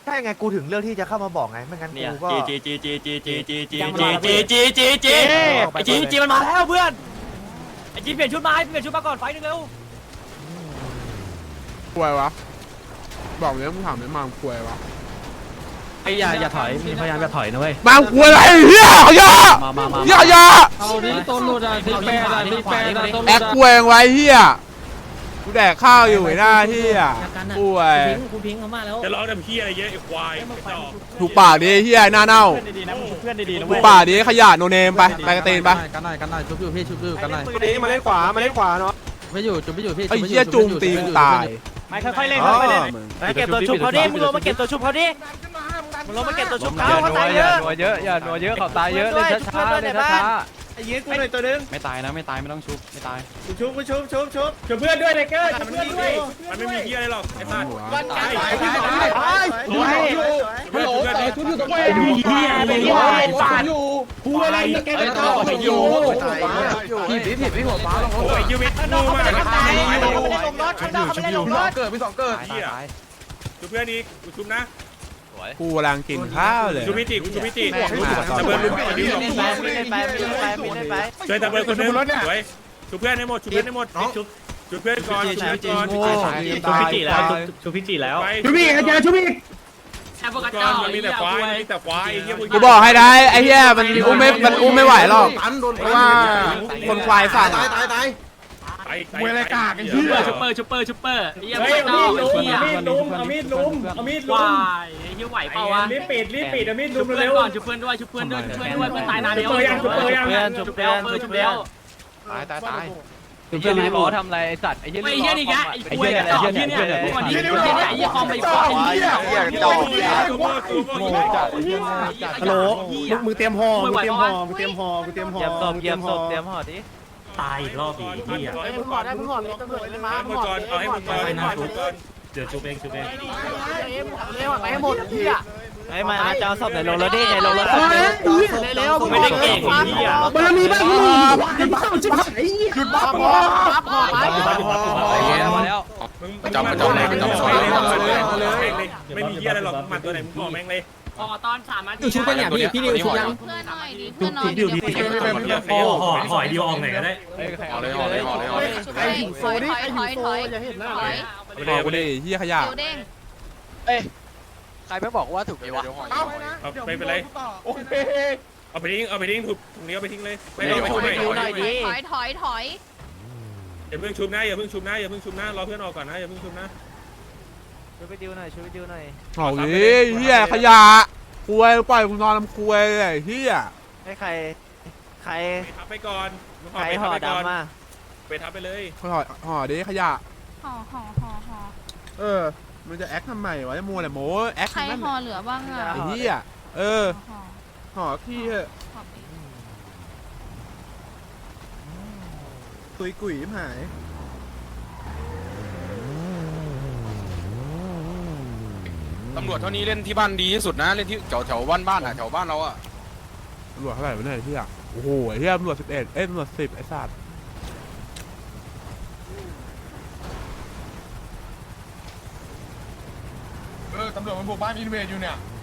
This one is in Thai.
ใช่ไงกูถึงเลือกที่จะเข้ามาบอกไงไม่งั้นกูก็จีมันมาแล้วเพื่อนไอจีเปลี่ยนชุดมาก่อนไฟนึงเร็วป่วยวะบอกเลยมึงถามไม่มาป่วยวะไอ้อย่าถอยมีพยายามจะถอยนะเว้ยมาป่วยอะไรเฮียขยะอย่าเอาดิต้นหลุดอ่ะที่แปดอ่ะที่แปดอ่ะต้นหลุดแอคป่วยไว้เฮียกูแดกข้าวอยู่ไอ้หน้าเฮียป่วยคุณพิงเขามาแล้วจะร้องทำเพี้ยอะไรเยอะไอ้ควายถูกปากดิเฮียหน้าเน่าเพื่อนดีๆนะเพื่อนดีๆนะถูเว้กยปากดิขยะโนเนมไปกระเตนไปกันหน่อยชุบอยู่พี่ชุบอยู่กันหน่อยมาเล่นขวาเนาะไม่อยู่จุบไม่อยู่พี่ไอ้เฮียจุงตีกูตายไม่ค่อยๆเล่นเก็บตัวชุบเขาดิมึงลงมาเก็บตัวชุบเขาดิมึงลงมาเก็บตัวชุบเขาตายเยอะนัวเยอะอย่านัวเยอะเขาตายเยอะเล่นช้าๆเล่นช้าไอ้ยืนกูหน่อยตัวนึงๆไม่ตายนะไม่ตายไม่ต้องชุบไม่ตายชุบเพื่อนด้วยไทเกอร์ชุบเพื่อนด้วยมันไม่มีเพี้ยอะไรหรอกไอ้สัตว์วันตายไม่โหลชุบอยู่ตรงไหนเฮียไปที่ไหนสัตว์กูอะไรแกไปต่อไปอยู่พี่หัวฟ้าลงโอ้ยยูมิทูมากตายไม่ได้ลงรถเขาไม่ได้ลงรถเกิดพี่สองเกิดเฮียชุบเพื่อนอีกชุบนะกูกำลังกินข้าวเลยชุบพิจิชุบพิจิตะเบิร์นลุกไปดิช่วยตะเบิร์นคนนึงสวยชุบเพื่อนให้หมดชุบเพื่อนให้หมดชุบเพื่อนก่อนชุบเพื่อนก่อนชุบพิจิแล้วชุบพิจิแล้วชุบอีกอาจารย์ชุบอีกแค่พวกกระก่จออน กมันมีแต่ควายมีแต่ควายเฮียกูบอกให้ได้ไอ้เฮียมันอุ้มไม่ไหวหรอกเพราะว่าคนควายสั่งไอ้อะไรกากไอ้เหี้ยชุบเปอร์ไอ้เหี้ยไม่ต้องเอามีดลุมวายไอ้เหี้ยไหวเปล่าวะรีบปิดเอามีดลุมเร็วก่อนชุบเพื่อนด้วยเพื่อนตายนานแล้วชุบเร็วตายเพื่อนไม่บอกทำอะไรไอ้สัตว์ไอ้เหี้ยไอ้เหี้ยนี่แกไอ้คุยไอ้ต่อเหี้ยเนี่ยก่อนนี้ไอ้เหี้ยคอมไปก่อนฮัลโหลมึงเตรียมห่อมึงเตรียมห่อเตรียมห่อดิตายอีกรอบอีกเหี้ยมึงห่อได้มึงห่อมีตำรวจเลยมาให้มึงก่อนเอาให้มึงก่อนให้มึงก่อนเดี๋ยวชุบเองเร็วไปให้หมดพี่อ่ะไอ้มาจะเอาศพไหนลงรถดิไหนลงรถเร็วไม่ได้เก่งเหี้ยบารมีบ้างมึงหยุดบ้าชิบหายหยุดบ้าพอพอแล้วมึงจำเลยไม่มีเหี้ยอะไรหรอกหมัดตัวไหนมึงบอกแม่งเลยพอตอน3 นาทีชุบกันอย่างพี่นิวชุบยังเพื่อนหน่อยดิเพื่อนหน่อยดิหอยดีออกไหนก็ได้เอาเลยไอ้หิวโซนี่ไอ้หิวโซอย่าเห็นนะถอยบอกกูดิเฮียขยะเดี๋ยวเด้งใครไม่บอกว่าถูกวะเอาไม่เป็นไรเอาไปทิ้งถูกตรงนี้เอาไปทิ้งเลยไม่ต้องไปชุบไม่ถอยอย่าเพิ่งชุบนะอย่าเพิ่งชุบนะรอเพื่อนออกก่อนนะอย่าเพิ่งชุบนะช่วยไปดิวหน่อยเอาดิเฮียขยะคุยปล่อยกูนอนทำคุยเลยเฮียให้ใครไปทับไปก่อนไปทับไปเลยห่อดิขยะห่อมันจะแอคทำไมวะมัวแต่โม้แอคใครนั่นห่อเหลือบ้างอ่ะไอ้เฮียห่อขี้เหอะกุยหายตำรวจเท่านี้เล่นที่บ้านดีที่สุดนะเล่นที่แถวบ้านอ่ะแถวบ้านเราอ่ะตำรวจเท่าไหร่วะเนี่ยเฮียโอ้โหเฮียตำรวจ11ตำรวจ10ไอ้สัตว์ตำรวจมันบุกบ้านอินเวดอยู่เนี่ย